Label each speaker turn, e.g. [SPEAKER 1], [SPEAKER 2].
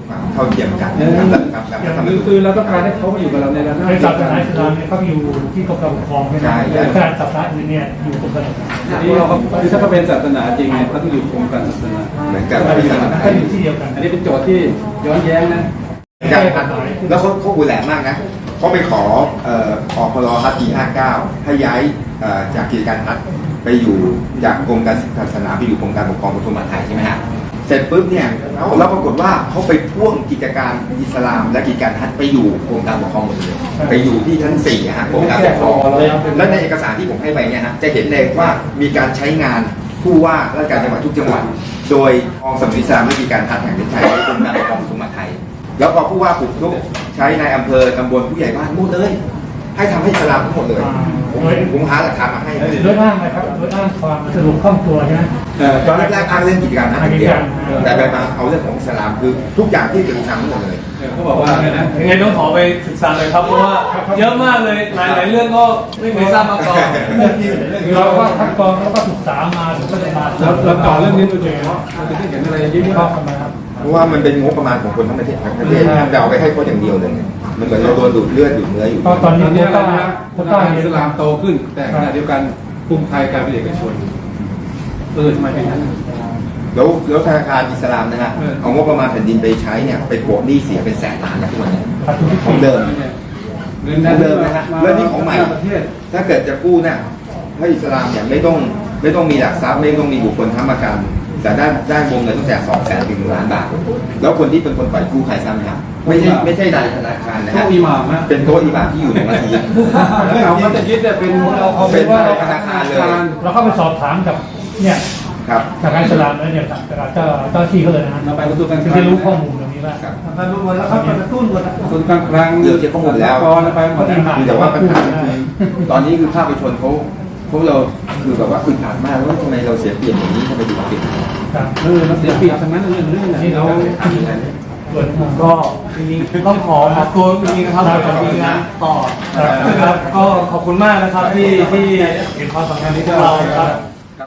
[SPEAKER 1] ความเท่าเทียมกันนะครับ
[SPEAKER 2] คือเราต้องการให้เขามาอยู่กับเราในระนาบ
[SPEAKER 3] ในศาสนาอิสลามเนี่ยเขาอยู่ที่กรมการปกครองใช่ไหมแต่การศาสนาอื่นเนี่ยอยู่กรมการศาสนา
[SPEAKER 2] นี่เราคือถ้าเขาเป็นศาสนาจริงเนี่ยเขาต้องอยู่กรมการศาสนา
[SPEAKER 1] เหมือนกัน
[SPEAKER 3] ที่ศาสนาอยู่ที่เดียวกัน
[SPEAKER 2] อันนี้เป็นโจทย์ที่ย้อนแย้งนะ
[SPEAKER 1] แล้วเขาหูแหลมมากนะเขาไปขออพรฮัทปี59ให้ย้ายจากกิจการฮัทไปอยู่จากกรมการศาสนาไปอยู่กรมการปกครองกระทรวงมหาดไทยใช่ไหมฮะเสร็จปุ๊บเนี่ยแล้วปรากฏว่าเขาไปพ่วงกิจการอิสลามและกิจการฮัทไปอยู่กรมการปกครองหมดเลยไปอยู่ที่ชั้น4ฮะกรมการปกครองและในเอกสารที่ผมให้ไปเนี่ยฮะจะเห็นเลยว่ามีการใช้งานผู้ว่าราชการจังหวัดทุกจังหวัดโดยกองสำนักอิสลามและกิจการฮัทแห่งประเทศไทยและกรมการปกครองกระทรวงมหาดไทยแล้วพอผู้ว่าปลุกลุกใช้ในอำเภอตำบลผู้ใหญ่บ้านหมดเลยให้ทำให้อิสลามทั้งหมดเลยผมหาหลักฐานมาให้
[SPEAKER 3] โดยอ้างนะครับโดยอ้างความสะดวกคล่องตัวใช่ไหม
[SPEAKER 1] ตอนแรกๆอ้างเรื่องกิจการนะเดียวแต่ไปมาเอาเรื่องของอิสลามคือทุกอย่างที่เกี่ยวกับอิสลามทั้งหมดเลย
[SPEAKER 2] เขาบอกว่า
[SPEAKER 4] ยังไงต้องขอไปศึกษาเลยครับเพราะว่าเยอะมากเลยหลายเรื่องก็ไม่เคยทราบมาก่อน
[SPEAKER 3] เราก็คัดกรองแล้วก็ศึกษามาถึงก็จะมา
[SPEAKER 2] เราต่อเรื่องนี้โดยเฉพาะเราจะได้เห็นอะไรยิ่ง
[SPEAKER 3] ชอบกันมาครับ
[SPEAKER 1] เพราะว่ามันเป็นงบประมาณของคนทั้งประเทศแต่เอาไปให้เขาอย่างเดียวเลยมันเหมือนเราโดนดูดเลือดดูดเนื้ออยู่
[SPEAKER 3] ตอนนี้
[SPEAKER 2] เนี่ยคนต่างอิสลามโตขึ้นแต่ขณะเดียวกันกลุ่มไทยกลายเป็นเอกชนทำไมเป็นนั้น
[SPEAKER 1] แล้วธนาคารอิสลามนะฮะเอางบประมาณแผ่นดินไปใช้เนี่ยไปโปะหนี้เสียเป็นแสนล้านนะทุกวันนี้ของเดิม
[SPEAKER 2] เงินเดิม
[SPEAKER 1] นะฮะแล้วนี่ของใหม่ถ้าเกิดจะกู้เนี่ยถ้าอิสลามเนี่ยไม่ต้องมีหลักทรัพย์ไม่ต้องมีบุคคลค้ำประกันแต่ได้วงเงินตั้งแต่200,000 ถึง1 ล้านบาทแล้วคนที่เป็นคนปล่อยกู้ใครทราบไหมครับไม่ใช่นายธนาคารนะฮะเป็นโต๊ะอิหม่ามที่อยู่ในมัสยิด
[SPEAKER 2] เราก็จะยึดเป็น
[SPEAKER 1] เราเป็นว่าธนาคารเลย
[SPEAKER 3] เราเข้าไปสอบถามกับเนี่ย
[SPEAKER 1] ครับ
[SPEAKER 3] จากอิสลามแล้วเนี่ยจากเจ้าที่เขาเลยนะ
[SPEAKER 2] เราไปกระตุ้นการคลัง
[SPEAKER 3] ที่รู้ข้อมูลตรงนี้ว่า
[SPEAKER 2] การรู้หมดแล้วครับกระตุ้นหมดกระตุ้นการคลัง
[SPEAKER 1] เดี๋ยวจะข้อมูลแล้ว
[SPEAKER 2] ไปหมด
[SPEAKER 1] แต่ว่าปัญหาตอนนี้คือภาคประชาชนพวกเราคือแบบว่าอึดอัดมากว่าทำไมเราเสียเปรียบอย่างนี้ทำไมถึงเปรียบ
[SPEAKER 2] เราเสียเปรียบทั้งนั้นเรื่อง
[SPEAKER 3] ที่เรา
[SPEAKER 4] ก็จริงๆต้องขอตัวจริงๆนะครับกับทีมงานต่อนะครับก็ขอบคุณมากนะครับที่เห็นความสำคัญที่เราครับ